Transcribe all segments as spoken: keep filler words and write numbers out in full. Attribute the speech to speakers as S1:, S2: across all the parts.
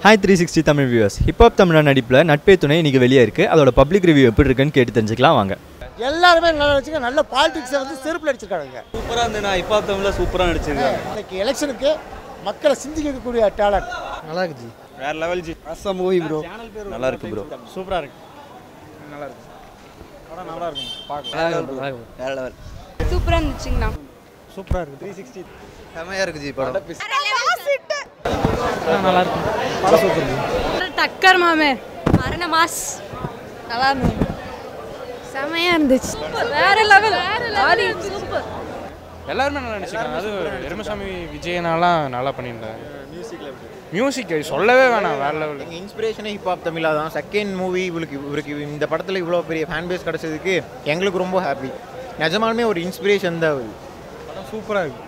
S1: Hi three sixty Tamil viewers. Hip Hop Tamil நடிப்புல நட்பே துணை இன்னைக்கு வெளியே இருக்கு. அதோட பப்ளிக் ரிவ்யூ எப்படி இருக்குன்னு கேட்டு தெரிஞ்சுக்கலாம் வாங்க.
S2: எல்லாரும் நல்லா நடிச்சிங்க, நல்ல பாலிடிக்ஸ் வந்து செருப்புல அடிச்சிருக்காங்க.
S3: சூப்பரா இருந்தேனா ஹிப் ஹாப் தமிழ்ல சூப்பரா நடிச்சிருக்காங்க.
S2: இன்னைக்கு எலெக்ஷனுக்கு மக்களை சிந்திக்க கூடிய டாலன்ட்.
S3: நல்லா இருக்கு ஜி. வேற level ji. Awesome movie bro. நல்லா இருக்கு ப்ரோ.
S2: சூப்பரா இருக்கு. நல்லா இருக்கு. படம் நல்லா இருக்கு. பார்க்கலாம்.
S3: வேற லெவல்.
S4: சூப்பரா இருந்துச்சுங்கண்ணா.
S2: சூப்பரா இருக்கு. three sixty
S3: செமையா இருக்கு ஜி படம்.
S2: நல்லா இருக்கு. படம் சூப்பர் ஜி.
S4: டக்கர் மாமே. மரண மாஸ். நல்லா இருந்துச்சு. செமையா இருந்துச்சு. வேற லெவல். ஆதி சூப்பர்.
S5: எல்லாரும் நல்லா நடிச்சிருக்காங்க. அது எருமசாமி விஜயனாலாம் நல்லா பண்ணியிருந்தாங்க. மியூசிக்ல மியூசிக் சொல்லவே வேணாம், வேற லெவல்.
S6: எங்கள் இன்ஸ்பிரேஷனே ஹிப் ஹாப் தமிழா தான். செகண்ட் மூவி இவளுக்கு இவருக்கு இந்த படத்தில் இவ்வளோ பெரிய ஃபேன் பேஸ் கிடச்சதுக்கு எங்களுக்கு ரொம்ப ஹாப்பி. நிஜமாலுமே ஒரு இன்ஸ்பிரேஷன் தான் அவள்.
S5: படம் சூப்பராக இருக்கு.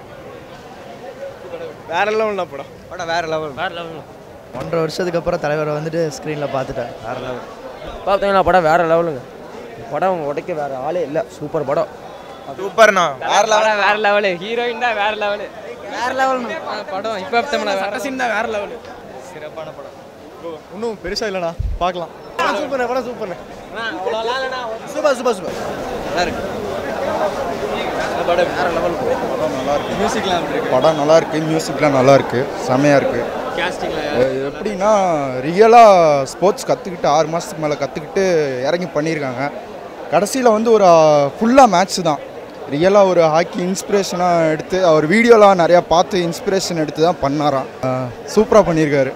S5: வேற லெவல் தான் படம்.
S6: படம் வேற லெவல்.
S5: வேற லெவல்.
S7: ஒன்றரை வருஷத்துக்கு அப்புறம் தலைவரை வந்துட்டு ஸ்க்ரீனில் பார்த்துட்டேன்.
S6: வேற லெவல்.
S8: பார்த்தீங்கன்னா படம் வேற லெவலுங்க. படம் உடைக்க வேற ஆளே இல்லை. சூப்பர் படம்.
S6: சூப்பர்ண்ணா.
S8: வேற லெவல். வேற லெவலு. ஹீரோயின் தான் வேற லெவலு. வேற லெவல் படம். இப்போ தமிழ் வேற சீன் தான் வேற லெவலு. சிறப்பான படம்.
S2: இன்னும் பெருசா இல்லைண்ணா, பார்க்கலாம். சூப்பர் படம். சூப்பர்
S6: சூப்பர் சூப்பர் சூப்பர்
S3: நல்லா இருக்கு. படம் வேற லெவல்.
S6: படம் நல்லா இருக்கு.
S3: மியூசிக்லாம் எப்படி இருக்கு?
S9: படம் நல்லா இருக்கு. மியூசிக்லாம் நல்லா இருக்கு. செமையா இருக்கு.
S3: காஸ்டிங்ல
S9: எப்படின்னா ரியலாக ஸ்போர்ட்ஸ் கற்றுக்கிட்டு ஆறு மாதத்துக்கு மேலே கற்றுக்கிட்டு இறங்கி பண்ணியிருக்காங்க. கடைசியில் வந்து ஒரு ஃபுல்லாக மேட்ச் தான். ரியலாக ஒரு ஹாக்கி இன்ஸ்பிரேஷனாக எடுத்து அவர் வீடியோலாம் நிறையா பார்த்து இன்ஸ்பிரேஷன் எடுத்து தான் பண்ணாராம். சூப்பராக பண்ணியிருக்காரு.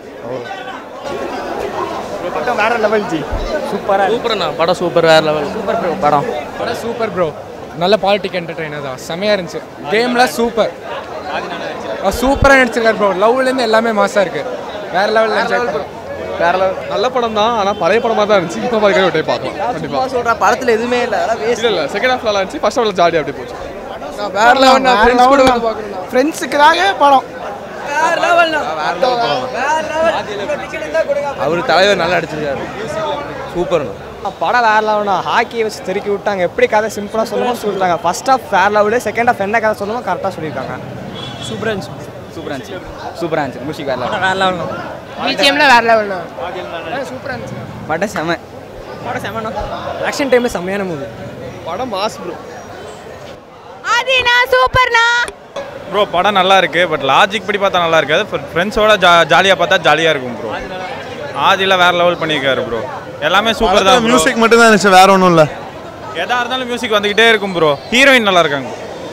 S2: படம் வேற லெவல் ஜி.
S8: சூப்பரா சூப்பர்ண்ணா படம். சூப்பர் வேற லெவல். சூப்பர் ப்ரோ படம்.
S5: படம் சூப்பர் ப்ரோ. நல்ல பாலிட்டிக் என்டர்டெய்னர் தான். செமையாக இருந்துச்சு. கேம்லாம் சூப்பர். சூப்பராக நடிச்சிருக்காரு ப்ரோ. லவ்லேருந்து எல்லாமே மாசாக இருக்குது. வேற லெவலில் என்ஜாய் ப்ரோ.
S8: வேற லெவல்.
S5: நல்ல படம் தான், ஆனால் பழைய படமாக தான் இருந்துச்சு. இப்போ பார்க்கவே விட்டே பார்க்கலாம். கண்டிப்பாக
S8: சொல்கிற படத்தில் எதுவுமே இல்லை. அதெல்லாம் வேஸ்ட்.
S5: இல்லை இல்லை செகண்ட் ஹாஃப் நல்லா இருந்துச்சு. ஃபர்ஸ்ட் ஹாஃபில் ஜாலியாக அப்படி போச்சு.
S8: வேற லெவல். ஃப்ரெண்ட்ஸ் கூட வந்து பார்க்கணும்.
S2: ஃப்ரெண்ட்ஸுக்காக படம்
S8: வேற லெவல். வேற லெவல். அவர் தலைவர் நல்லா அடிச்சிருக்காரு. சூப்பர்ண்ணா படம். வேற லெவல்னா ஹாக்கியை வச்சு தெருக்கி விட்டாங்க. எப்படி கதை சிம்பிளாக சொல்லணும்னு சொல்லிட்டாங்க. ஃபர்ஸ்ட் ஹாஃப் வேற லெவலு, செகண்ட் ஹாஃப் என்ன கதை சொல்லணுமோ கரெக்டாக சொல்லியிருக்காங்க. சூப்பராக இருந்துச்சு. சூப்பராக இருந்துச்சு. சூப்பராக இருந்துச்சு. மியூசிக் வேற லெவல். வேற லெவல். பிஜிஎம்ல வேற லெவல். சூப்பராக இருந்துச்சு. படம் செம. படம் செமண்ணா. ஆக்ஷன் டைமில் செம்மையான மூவி.
S5: படம் மாஸ் ப்ரோ.
S4: ஆதினா சூப்பர்னா.
S10: ப்ரோ படம் நல்லா இருக்கு. பட் லாஜிக் படி பார்த்தா நல்லா இருக்காது. ஃப்ரெண்ட்ஸோட ஜா ஜாலியாக பார்த்தா ஜாலியாக இருக்கும் ப்ரோ. ஆதியில் வேற லெவல் பண்ணியிருக்காரு ப்ரோ. எல்லாமே சூப்பர் தான்.
S9: மியூசிக் மட்டும் தான் இருந்துச்சு, வேற ஒன்றும் இல்லை.
S10: எதா இருந்தாலும் மியூசிக் வந்துக்கிட்டே இருக்கும் ப்ரோ. ஹீரோயின் நல்லா இருக்காங்க.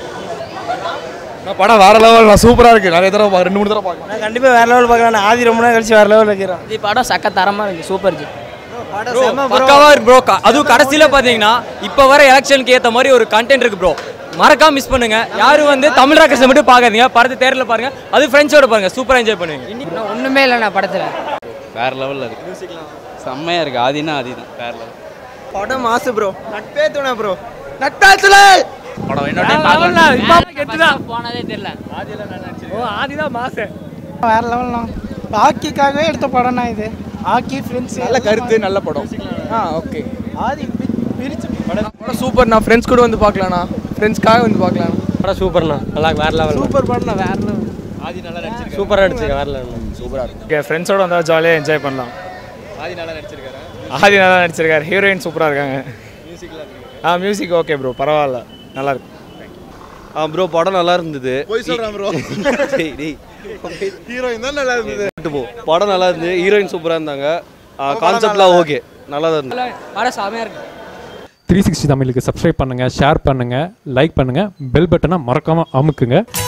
S5: படம் வேற லெவல். நான் சூப்பராக இருக்கு. நிறைய தடவை பார்க்க ரெண்டு மூணு தடவை பார்க்கலாம்.
S8: நான் கண்டிப்பாக வேற லெவல் பார்க்குறேன். ஆதி ரொம்ப நாள் கழிச்சு வேற லெவல் வைக்கிறேன். இது படம் சக்க தரமாக இருக்கு. சூப்பர் ஜி.
S11: பக்காவா இருக்கு ப்ரோ. அதுவும் கடைசியில் பார்த்தீங்கன்னா இப்போ வர எலெக்ஷனுக்கு ஏற்ற மாதிரி ஒரு கண்டென்ட் இருக்கு ப்ரோ. மறக்காம மிஸ் பண்ணுங்க. யாரும் வந்து தமிழ் ராக்கர்ஸை மட்டும் பார்க்காதீங்க. படத்தை தேரில் பாருங்க. அது ஃப்ரெண்ட்ஸோட பாருங்க. சூப்பராக என்ஜாய் பண்ணுவீங்க.
S8: இன்னைக்கு ஒன்றுமே இல்லைண்ணா படத்தில்.
S3: வேற லெவல்ல இருக்கு. மியூசிக்லாம் செம்மையா இருக்கு. ஆதினா ஆதி தான் வேற லெவல்.
S8: படம் மாசு ப்ரோ.
S6: நட்பே துணை ப்ரோ.
S8: நட்டாச்சுல
S3: படம் என்னோட பார்க்கலாம்.
S11: கெட்டுதான் போனதே தெரியல.
S8: ஓ ஆதிதான் மாசு.
S2: வேற லெவல்னா. ஹாக்கிக்காகவே எடுத்த படம்னா இது. ஹாக்கி ஃப்ரெண்ட்ஸ்
S5: நல்ல கருத்து, நல்ல படம்.
S8: ஆ ஓகே.
S2: ஆதி பிரிச்சு
S5: படம் சூப்பர்ண்ணா. ஃப்ரெண்ட்ஸ் கூட வந்து பார்க்கலாண்ணா. ஃப்ரெண்ட்ஸ்க்காக வந்து பார்க்கலாம்.
S8: படம் சூப்பர்ண்ணா. நல்லா வேற லெவல். சூப்பர் படம்ண்ணா. வேற லெவல்.
S10: ஆதி நல்லா நடிச்சிருக்காரு.
S8: சூப்பராக நடிச்சிருக்க. வேற லெவல். சூப்பராக இருக்கு.
S5: ஓகே ஃப்ரெண்ட்ஸோட வந்தால் ஜாலியாக என்ஜாய் பண்ணலாம்.
S10: ஆதி நல்லா நடிச்சிருக்காரு.
S5: ஆதி நல்லா நடிச்சிருக்காரு. ஹீரோயின் சூப்பராக இருக்காங்க. ஆ மியூசிக் ஓகே ப்ரோ. பரவாயில்ல, நல்லா இருக்கு.
S3: ஆ ப்ரோ படம் நல்லா இருந்தது.
S9: போய் சொல்கிறேன் ப்ரோ. ஹீரோயின் தான் நல்லா இருந்தது.
S3: படம் நல்லா இருந்தது. ஹீரோயின் சூப்பராக இருந்தாங்க. கான்செப்ட்லாம் ஓகே, நல்லா தான் இருந்தது.
S11: படம் செமையாக இருக்கு.
S12: த்ரீ சிக்ஸ்டி தமிழுக்கு சப்ஸ்கிரைப் பண்ணுங்கள், ஷேர் பண்ணுங்கள், லைக் பண்ணுங்கள், பெல் பட்டனை மறக்காமல் அமுக்குங்க.